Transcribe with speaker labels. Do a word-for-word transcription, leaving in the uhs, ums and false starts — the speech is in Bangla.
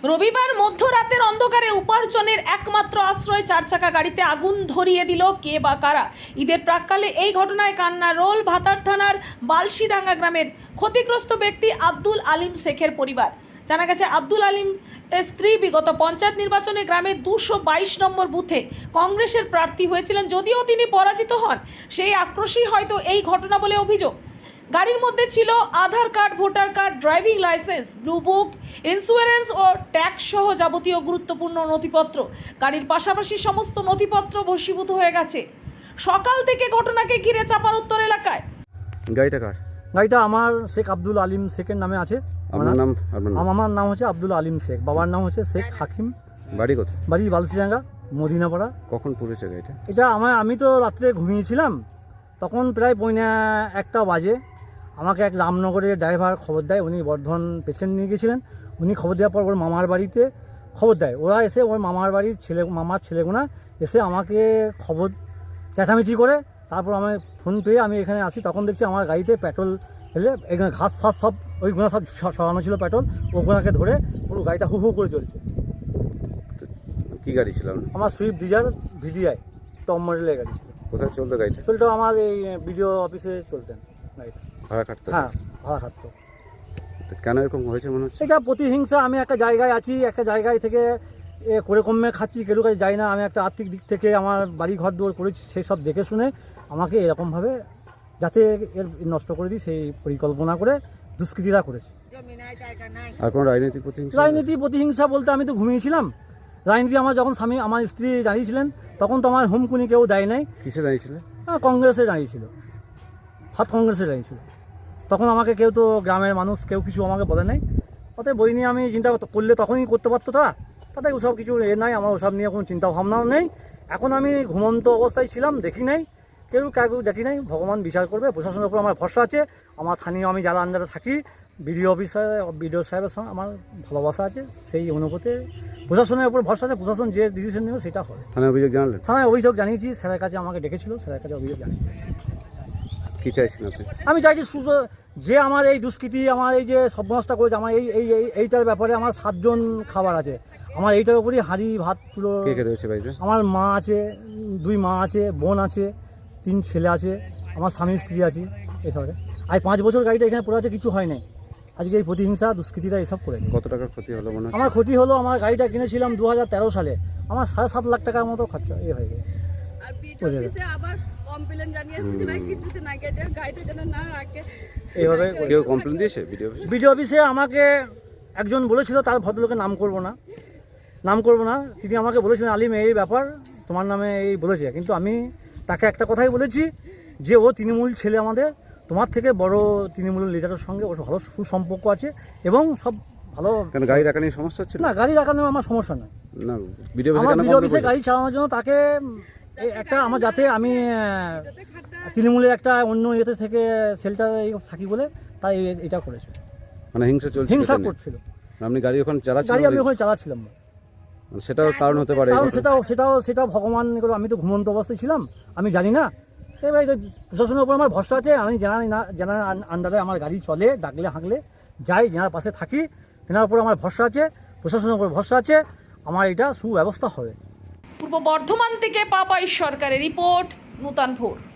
Speaker 1: রবিবার মধ্যরাতের অন্ধকারে উপার্জনের একমাত্র আশ্রয় চার চাকা গাড়িতে আগুন ধরিয়ে দিল কে বা কারা। ঈদের প্রাক্কালে এই ঘটনায় কান্না রোল ভাতার থানার বালশিডাঙ্গা গ্রামের ক্ষতিগ্রস্ত ব্যক্তি আব্দুল আলিম শেখের পরিবার। জানা গেছে, আব্দুল আলিম স্ত্রী বিগত পঞ্চায়েত নির্বাচনে গ্রামের দুশো বাইশ নম্বর বুথে কংগ্রেসের প্রার্থী হয়েছিলেন, যদিও তিনি পরাজিত হন। সেই আক্রোশই হয়তো এই ঘটনা বলে অভিযোগ। গাড়ির মধ্যে ছিল Aadhaar card, voter card, driving licence, blue book, insurance ও ট্যাক্স সহ যাবতীয় গুরুত্বপূর্ণ নথিপত্র। গাড়ির পাশাপাশি সমস্ত নথিপত্র ভস্মীভূত হয়ে গেছে। সকাল থেকে ঘটনাকে ঘিরে চাপানুত্তর এলাকায়।
Speaker 2: গাড়িটা কার?
Speaker 3: গাড়িটা আমার শেখ আব্দুল আলিম শেখের নামে আছে।
Speaker 2: আপনার নাম?
Speaker 3: আমার নাম হচ্ছে আব্দুল আলিম শেখ, বাবার নাম হচ্ছে শেখ হাকিম।
Speaker 2: বাড়ি কোথায়?
Speaker 3: বাড়ি বালশিডাঙ্গা, মদিনাপাড়া।
Speaker 2: কখন পড়েছে গাড়িটা?
Speaker 3: এটা আমার আমি তো রাত্রে ঘুমিয়েছিলাম, তখন প্রায় পৌনে একটা বাজে আমাকে এক রামনগরের ড্রাইভার খবর দেয়। উনি বর্ধমান পেশেন্ট নিয়ে গেছিলেন। উনি খবর দেওয়ার পর ওর মামার বাড়িতে খবর দেয়। ওরা এসে ওর মামার বাড়ির ছেলে মামার ছেলেগুনা এসে আমাকে খবর চেঁচামেচি করে, তারপর আমি ফোন পেয়ে আমি এখানে আসি। তখন দেখছি আমার গাড়িতে পেট্রোল ফেলে এখানে ঘাস ফাস সব ওইগুলো সব সরানো ছিল পেট্রোল, ওগুলোকে ধরে পুরো গাড়িটা হু হু করে চলছে।
Speaker 2: কি গাড়ি ছিল?
Speaker 3: আমার সুইফট ডিজায়ার ভিডিআই টপ মডেলের গাড়ি ছিল।
Speaker 2: কোথায় চলতো গাড়িটা?
Speaker 3: চলতো আমার এই বিডিও অফিসে চলতেন গাড়িটা।
Speaker 2: ভাড়া খাটতো?
Speaker 3: হ্যাঁ, ভাড়া খাটতো।
Speaker 2: কেন এরকম হয়েছে মনে হচ্ছে?
Speaker 3: এটা প্রতিহিংসা। আমি একটা জায়গায় আছি, একটা জায়গায় থেকে এ করে কমে খাচ্ছি, কেউ কাছে যাই না। আমি একটা আর্থিক দিক থেকে আমার বাড়ি ঘর দৌড় করেছি, সেই সব দেখে শুনে আমাকে এরকমভাবে যাতে এর নষ্ট করে দিই সেই পরিকল্পনা করে দুষ্কৃতীরা করেছে।
Speaker 2: আর কোনো রাজনৈতিক প্রতিহিংসা?
Speaker 3: রাজনীতি প্রতিহিংসা বলতে আমি তো ঘুমিয়েছিলাম। রাজনীতি আমার যখন স্বামী আমার স্ত্রী দাঁড়িয়েছিলেন তখন তো আমার হুমকুনি কেউ দেয় নাই।
Speaker 2: কিসে দাঁড়িয়েছিলেন?
Speaker 3: হ্যাঁ, কংগ্রেসে দাঁড়িয়েছিল, হাত কংগ্রেসে দাঁড়িয়েছিল। তখন আমাকে কেউ তো গ্রামের মানুষ কেউ কিছু আমাকে বলে নাই। অতএব বই নিয়ে আমি চিন্তা করলে তখনই করতে পারতো তারা। তাতে ওসব কিছু এ নাই, আমার ওসব নিয়ে কোনো চিন্তা ভাবনাও নেই। এখন আমি ঘুমন্ত অবস্থায় ছিলাম, দেখি নাই, কেউ কাউকে দেখি নাই। ভগবান বিচার করবে। প্রশাসনের উপর আমার ভরসা আছে। আমার স্থানীয় আমি যারা আন্ডারে থাকি বিডিও অফিসার বিডিও সাহেবের সঙ্গে আমার ভালোবাসা আছে। সেই অনুপাতে প্রশাসনের উপর ভরসা আছে। প্রশাসন যে ডিসিশন নেবে সেটা হবে।
Speaker 2: থানায় অভিযোগ জানালেন?
Speaker 3: থানায় অভিযোগ জানিয়েছি। স্যারের কাছে আমাকে ডেকেছিল, স্যারের কাছে অভিযোগ জানিয়েছি।
Speaker 2: কি চাইছেন আপনি?
Speaker 3: আমি চাইছি সুস্থ যে আমার এই দুষ্কৃতি আমার এই যে সর্বনাশটা করেছে, আমার এই এই এইটার ব্যাপারে আমার সাতজন খাবার আছে। আমার এইটার উপরই হাঁড়ি ভাত পুরো।
Speaker 2: কে কে রয়েছে বাড়িতে?
Speaker 3: আমার মা আছে, দুই মা আছে, বোন আছে, তিন ছেলে আছে, আমার স্বামী স্ত্রী আছে। এসবে আর পাঁচ বছর গাড়িটা এখানে পড়ে আছে, কিছু হয় নাই। আজকে এই প্রতিহিংসা দুষ্কৃতীরা এসব করে।
Speaker 2: কত টাকার ক্ষতি হলো মনে হয়?
Speaker 3: আমার ক্ষতি হলো, আমার গাড়িটা কিনেছিলাম দু হাজার তেরো সালে, আমার সাড়ে সাত লাখ টাকার মতো খরচা এ হয়ে গেছে। এইভাবে
Speaker 2: কেউ কমপ্লেন দিয়েছে ভিডিও?
Speaker 3: বিডিও অফিসে আমাকে একজন বলেছিল, তার ভদ্রলোকের নাম করব না নাম করব না তিনি আমাকে বলেছিলেন, আলিম এই ব্যাপার তোমার নামে এই বলেছে। কিন্তু আমি তাকে একটা কথাই বলেছি যে ও তৃণমূল ছেলে, আমাদের তোমার থেকে বড় তৃণমূল লিডারের সঙ্গে ওর ভালো সুসম্পর্ক আছে এবং সব ভালো।
Speaker 2: কেন গাড়ি রাখা নিয়ে সমস্যা হচ্ছে?
Speaker 3: না, গাড়ি রাখানো আমার সমস্যা নয়।
Speaker 2: না, ভিডিও
Speaker 3: অফিসে গাড়ি চালানোর জন্য তাকে একটা আমার যাতে আমি তৃণমূলের একটা অন্য ইয়েতে থেকে সেলটা থাকি বলে তাই এটা করেছে।
Speaker 2: মানে হিংসা চলছে?
Speaker 3: হিংসা করছিল।
Speaker 2: আপনি গাড়ি ওখানে চালাচ্ছিলেন?
Speaker 3: গাড়ি আমি ওখানে চালাচ্ছিলাম।
Speaker 2: সেটাও কারণ হতে পারে?
Speaker 3: কারণ সেটাও সেটাও সেটা ভগবান, আমি তো ঘুমন্ত অবস্থায় ছিলাম, আমি জানি না। এবার প্রশাসনের উপর আমার ভরসা আছে। আমি জানি না, জানার আন্ডারে আমার গাড়ি চলে, ডাকলে হাঁকলে যাই, যেনার পাশে থাকি, তেনার উপর আমার ভরসা আছে, প্রশাসনের উপর ভরসা আছে, আমার এটা সুব্যবস্থা হবে।
Speaker 1: পূর্ব বর্ধমান থেকে পাপাই সরকারের রিপোর্ট, নূতন ভোর।